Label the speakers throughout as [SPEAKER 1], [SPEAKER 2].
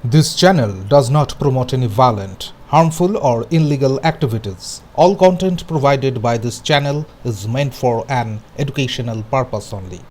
[SPEAKER 1] This channel does not promote any violent, harmful, or illegal activities. All content provided by this channel is meant for an educational purpose only.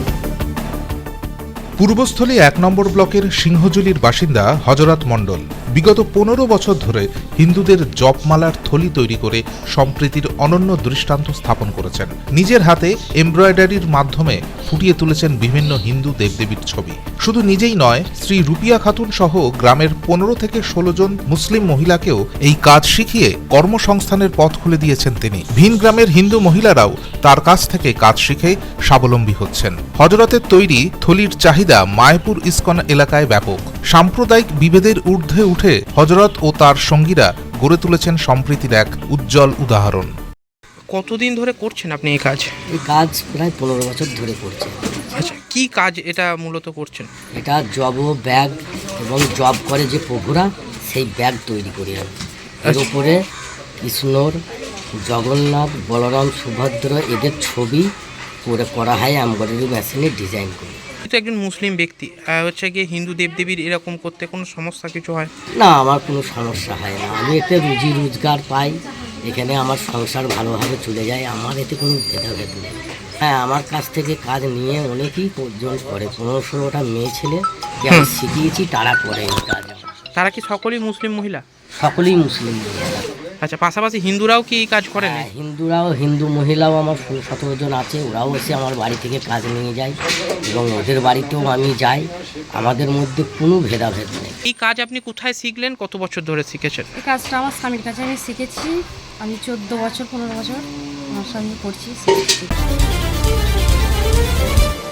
[SPEAKER 1] Purbasthali ১ নম্বর ব্লকের সিংহজুলির বাসিন্দা হযরত মণ্ডল বিগত ১৫ বছর ধরে হিন্দুদের জপমালার থলি তৈরি করে সম্প্রীতির অনন্য দৃষ্টান্ত স্থাপন করেছেন। নিজের হাতে এমব্রয়ডারির মাধ্যমে ফুটিয়ে তুলেছেন বিভিন্ন হিন্দু দেবদেবীর ছবি। শুধু নিজেই নয়, শ্রী রুপিয়া খাতুন সহ গ্রামের ১৫ থেকে ১৬ জন মুসলিম মহিলাকেও এই কাজ শিখিয়ে কর্মসংস্থানের পথ খুলে দিয়েছেন তিনি। ভিন গ্রামের হিন্দু মহিলারাও তার কাছ থেকে কাজ শিখে স্বাবলম্বী হচ্ছেন। হযরতের তৈরি থলির চাহিদা মায়াপুর ইস্কন এলাকায় ব্যাপক। সাম্প্রদায়িক বিভেদের ঊর্ধ্বে উঠে হযরত ও তার সঙ্গীরা গড়ে তুলেছেন সম্প্রীতির এক উজ্জ্বল উদাহরণ।
[SPEAKER 2] কতদিন ধরে করছেন আপনি এই কাজ?
[SPEAKER 3] এই কাজ প্রায় 15 বছর ধরে করছে।
[SPEAKER 2] আচ্ছা, কি কাজ এটা মূলত করছেন?
[SPEAKER 3] এটা জব ও ব্যাগ এবং জব করে যে প্রভুরা সেই ব্যাগ তৈরি করি আমি। এর উপরে কৃষ্ণর, জগন্নাথ, বলরাম, সুভদ্র এদের ছবি করে করা হয় এমব্রয়ডারি মেশিনে ডিজাইন করে।
[SPEAKER 2] তো একজন মুসলিম ব্যক্তি হচ্ছে গিয়ে হিন্দু দেবদেবীর এরকম করতে কোনো সমস্যা কিছু হয়
[SPEAKER 3] না? আমার কোনো সমস্যা হয় না। আমি এতে রুজি রোজগার পাই, এখানে আমার সংসার ভালোভাবে চলে যায়, আমার এতে কোনো ভেদাভেদ নেই। হ্যাঁ, আমার কাছ থেকে কাজ নিয়ে অনেকেই পর্যন্ত করে। 15-16টা মেয়ে ছেলে আমি শিখিয়েছি, তারা করে এই কাজ।
[SPEAKER 2] তারা কি সকলেই মুসলিম মহিলা?
[SPEAKER 3] সকলেই মুসলিম মহিলা।
[SPEAKER 2] আচ্ছা, পাশাপাশি হিন্দুরাও কি এই কাজ করেন?
[SPEAKER 3] হ্যাঁ, হিন্দু মহিলাও আমার 16-17 জন আছে। ওরাও এসে আমার বাড়ি থেকে কাজ নিয়ে যায় এবং ওদের বাড়িতেও আমি যাই। আমাদের মধ্যে কোনো ভেদাভেদ নেই।
[SPEAKER 2] এই কাজ আপনি কোথায় শিখলেন? কত বছর ধরে শিখেছেন?
[SPEAKER 4] এই কাজটা আমার স্বামীর কাছে আমি শিখেছি। আমি 14 বছর 15 বছর আমার স্বামী করছি।